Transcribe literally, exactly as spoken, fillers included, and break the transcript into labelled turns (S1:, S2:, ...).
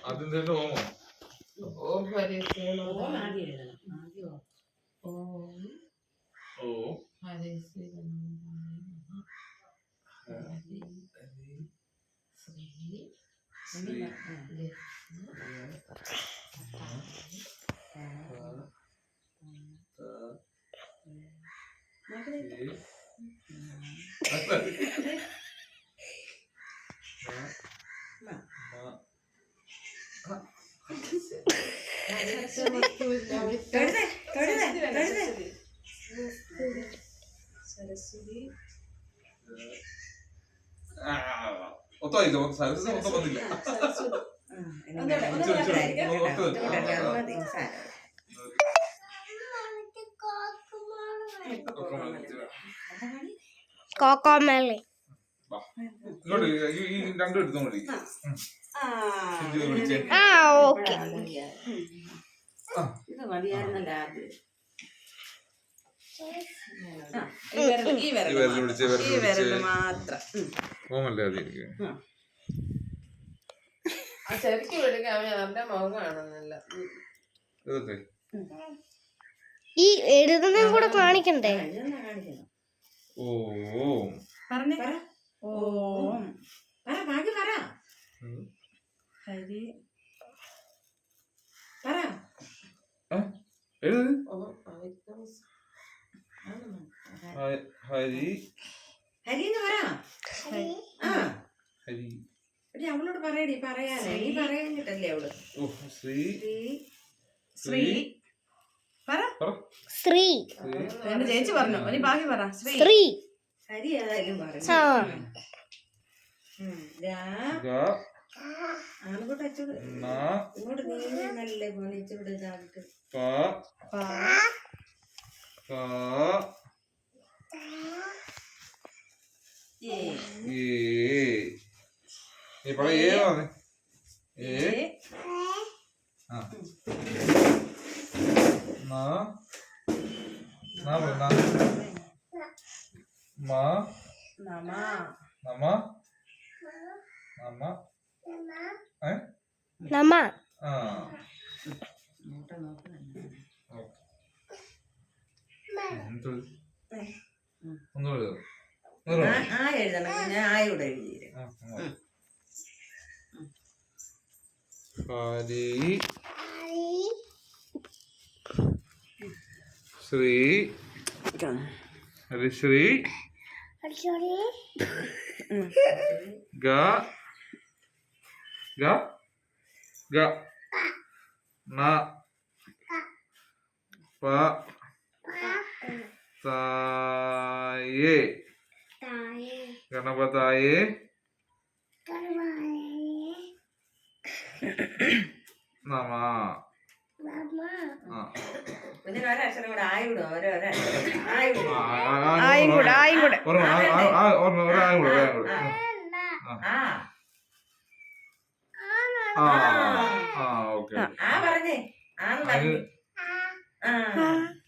S1: അതിന്റെ ഓമോ
S2: ഓം ഹരിശ്രീ ഓം ആദ്യം എഴുതണം ആദ്യം ഓം
S1: ഓം
S2: ഹരിശ്രീ ശ്രീ സരസ്വതി
S1: ഒത്തായില്ല സരസ്വതി മൊത്തം വന്നില്ല
S3: കോക്കോമേളി
S1: ഇങ്ങോട്ട് ഈ രണ്ടും എടുത്തോ മതി
S3: ആ ഓക്കെ
S2: ഇത് മതിയായിരുന്നല്ലോ ആദ്യം ഈ വിരല് മാത്രം
S1: ഓമല്ലേ അതി
S2: ശരിക്കും വിളിക്കാൻ അവന്റെ മുഖം കാണുന്നില്ല
S3: ഈ എഴുതുന്നതും കൂടെ കാണിക്കണ്ടേ
S1: ഓം
S2: പറഞ്ഞേ ഓം പറ ബാക്കി പറ ഹരി പറ
S1: എഴുത് ഹരി
S2: ഹരി എന്ന് പറ
S1: ഹരി
S2: അവളോട് പറയടി പറയാനേ നീ പറയാനിട്ടല്ലേ അവള്
S1: ശ്രീ
S2: ശ്രീ പറ
S3: ശ്രീ
S2: എന്റെ ചേച്ചി പറഞ്ഞു നീ ബാക്കി പറ
S3: ശ്രീ
S2: ഹരി ഏതായാലും പറഞ്ഞു ആണുകൂട്ട് അച്ചോട് ഇങ്ങോട്ട് നീ നല്ല പോണിച്ചോട് ഇതായിട്ട്
S1: നീ പറ ഏ ഏ ആ നാ നാ പറ മാ
S2: നമ
S1: നമ നമ ഏ
S3: നമ
S1: ആ ഒന്നുകൂടെ
S2: ആ എഴുതണം ഞാൻ ആയോടെ എഴുതി
S1: ഹരി ശ്രീ ഹരിശ്രീ ഗ ഗ ഗ ന പ തായേ ഗണപതായേ നമ
S2: പിന്നെ ഒരക്ഷരം കൂടെ ആയിവിടും ഓരോരക്ഷരം ആയിവിടും
S3: ആയും കൂടെ ആയും കൂടെ
S2: ആ പറഞ്ഞേ ആ പറഞ്ഞു ആ